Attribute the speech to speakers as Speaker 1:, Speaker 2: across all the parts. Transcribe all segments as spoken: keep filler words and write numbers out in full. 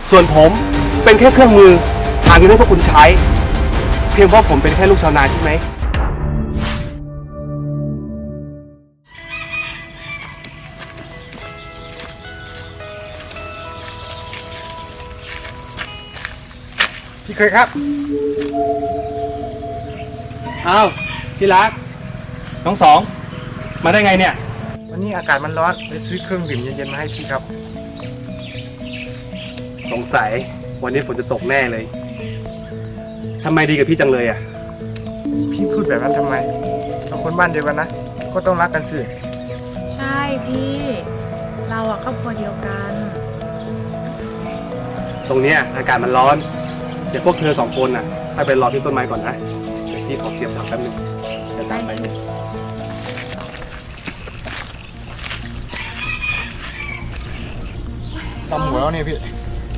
Speaker 1: ส่วนผมเป็นแค่เครื่องมือหาเงินให้พวกคุณใช้ เพียงเพราะผมเป็นแค่ลูกชาวนาใช่ไหม
Speaker 2: พี่เคยครับอ้าวพี่รักน้องสองมาได้ไงเนี่ยวันนี้อากาศมันร้อนเลยซื้อเครื่องดื่มเย็นๆมาให้พี่ครับ
Speaker 1: สงสัยวันนี้ฝนจะตกแน่เลยทำไมดีกับพี่จังเลยอ่ะ
Speaker 2: พี่พูดแบบนั้นทำไมเราคนบ้านเดียวกันนะก็ต้องรักกันสิ
Speaker 3: ใช่พี่เราอะครอบครัวเดียวกัน
Speaker 1: ตรงเนี้ยอากาศมันร้อนเดี๋ยวพวกเธอสองคนน่ะให้ไปรอที่ต้นไม้ก่อนนะเดี๋ยวพี่ขอเก็บผักแป๊บนึงจะตามไปเลย
Speaker 2: ตำหัวแล้วเนี่ยพี่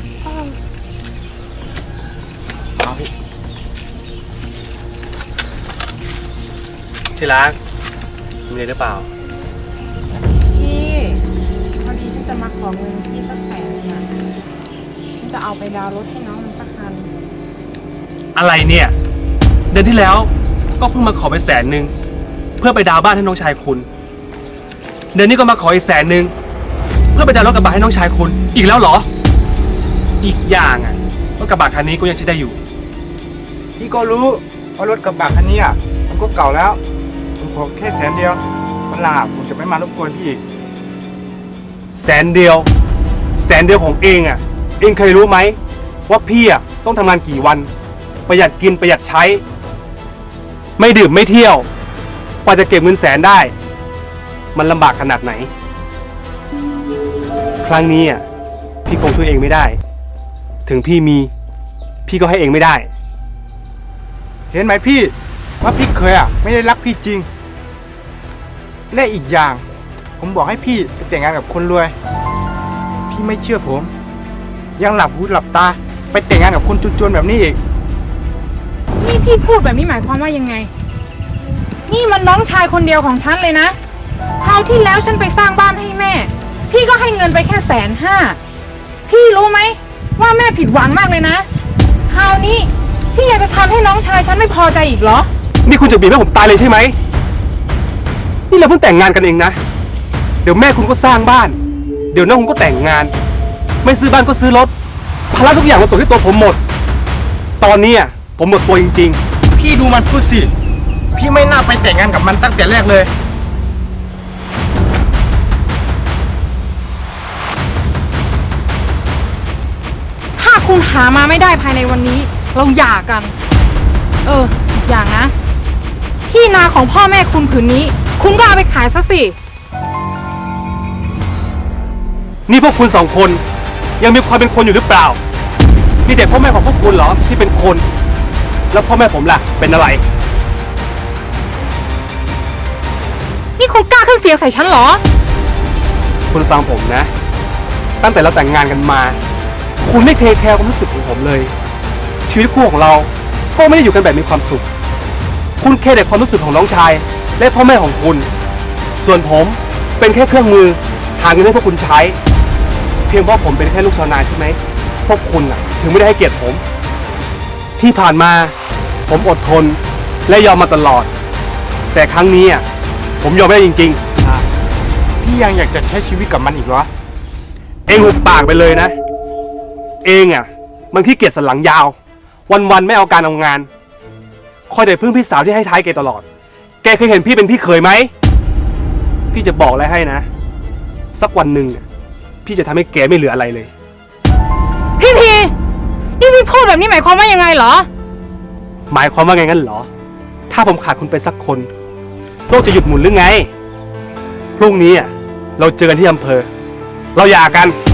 Speaker 2: เอาพี่
Speaker 1: ที่รักมีอะไรหรือเปล่า
Speaker 3: พี่พอดีฉันจะมาขอเงินพี่สักแสนนึงอะฉันจะเอาไปดาวน์รถให้น้องมันสักคัน
Speaker 1: อะไรเนี่ยเดือนที่แล้วก็เพิ่งมาขอไปแสนหนึ่งเพื่อไปดาวน์บ้านให้น้องชายคุณเดือนนี้ก็มาขออีกแสนหนึ่งเพื่อไปดาวน์รถกระบะให้น้องชายคุณอีกแล้วเหรออีกอย่างอ่ะรถกระบะคันนี้ก็ยังใช้ได้อยู่
Speaker 2: พี่ก็รู้ว่ารถกระบะคันนี้อ่ะมันก็เก่าแล้วผมขอแค่แสนเดียววันหลังผมจะไม่มารบกวนพี่อีก
Speaker 1: แสนเดียวแสนเดียวของเองอ่ะเองเคยรู้ไหมว่าพี่อ่ะต้องทำงานกี่วันประหยัดกินประหยัดใช้ไม่ดื่มไม่เที่ยวกว่าจะเก็บเงินแสนได้มันลำบากขนาดไหนครั้งนี้อ่ะพี่คงช่วยเองไม่ได้ถึงพี่มีพี่ก็ให้เองไม่ได้
Speaker 2: เห็นไหมพี่ว่าพี่เคยอ่ะไม่ได้รักพี่จริงและอีกอย่างผมบอกให้พี่ไปแต่งงานกับคนรวยพี่ไม่เชื่อผมยังหลับหูหลับตาไปแต่งงานกับคนจนๆแบบนี้อีก
Speaker 3: นี่พี่พูดแบบนี้หมายความว่ายังไงนี่มันน้องชายคนเดียวของฉันเลยนะคราวที่แล้วฉันไปสร้างบ้านให้แม่พี่ก็ให้เงินไปแค่แสนห้าพี่รู้ไหมว่าแม่ผิดหวังมากเลยนะคราวนี้พี่อยากจะทำให้น้องชายฉันไม่พอใจอีกเหรอ
Speaker 1: นี่คุณจะบีบให้ผมตายเลยใช่ไหมนี่เราเพิ่งแต่งงานกันเองนะเดี๋ยวแม่คุณก็สร้างบ้านเดี๋ยวน้องคุณก็แต่งงานไม่ซื้อบ้านก็ซื้อรถภาระทุกอย่างมาตกที่ตัวผมหมดตอนนี้ผมหมดตัวจริง
Speaker 2: ๆพี่ดูมันพูดสิพี่ไม่น่าไปแต่งงานกับมันตั้งแต่แรกเลย
Speaker 3: ถ้าคุณหามาไม่ได้ภายในวันนี้เราหย่ากันเอออีกอย่างนะที่นาของพ่อแม่คุณผืนนี้คุณก็เอาไปขายซะสิ
Speaker 1: นี่พวกคุณสองคนยังมีความเป็นคนอยู่หรือเปล่านี่เด็กพ่อแม่ของพวกคุณเหรอที่เป็นคนแล้วพ่อแม่ผมล่ะเป็นอะไร
Speaker 3: นี่คุณกล้าขึ้นเสียงใส่ฉันเหรอ
Speaker 1: คุณฟังผมนะตั้งแต่เราแต่งงานกันมาคุณไม่เคยแคร์ความรู้สึกของผมเลยชีวิตคู่ของเราก็ไม่ได้อยู่กันแบบมีความสุขคุณแค่แต่ความรู้สึกของน้องชายและพ่อแม่ของคุณส่วนผมเป็นแค่เครื่องมือหาเงินให้พวกคุณใช้เพียงเพราะผมเป็นแค่ลูกชาวนาใช่ไหมพวกคุณอ่ะถึงไม่ได้ให้เกียรติผมที่ผ่านมาผมอดทนและยอมมาตลอดแต่ครั้งนี้อ่ะผมยอมไม่ได้จริง
Speaker 2: ๆพี่ยังอยากจะใช้ชีวิตกับมันอีกเหรอ
Speaker 1: เองหุบปากไปเลยนะเองอ่ะมันขี้เกียจสันหลังยาววันๆไม่เอาการเอางานคอยแต่พึ่งพี่สาวที่ให้ท้ายแกตลอดแกเคยเห็นพี่เป็นพี่เคยไหมพี่จะบอกอะไรให้นะสักวันหนึ่งพี่จะทำให้แกไม่เหลืออะไรเลย
Speaker 3: พี่พีนี่พี่พูดแบบนี้หมายความว่ายังไงเหรอ
Speaker 1: หมายความว่าไงงั้นเหรอถ้าผมขาดคุณไปสักคนโลกจะหยุดหมุนหรือไงพรุ่งนี้อ่ะเราเจอกันที่อำเภอเราหย่ากัน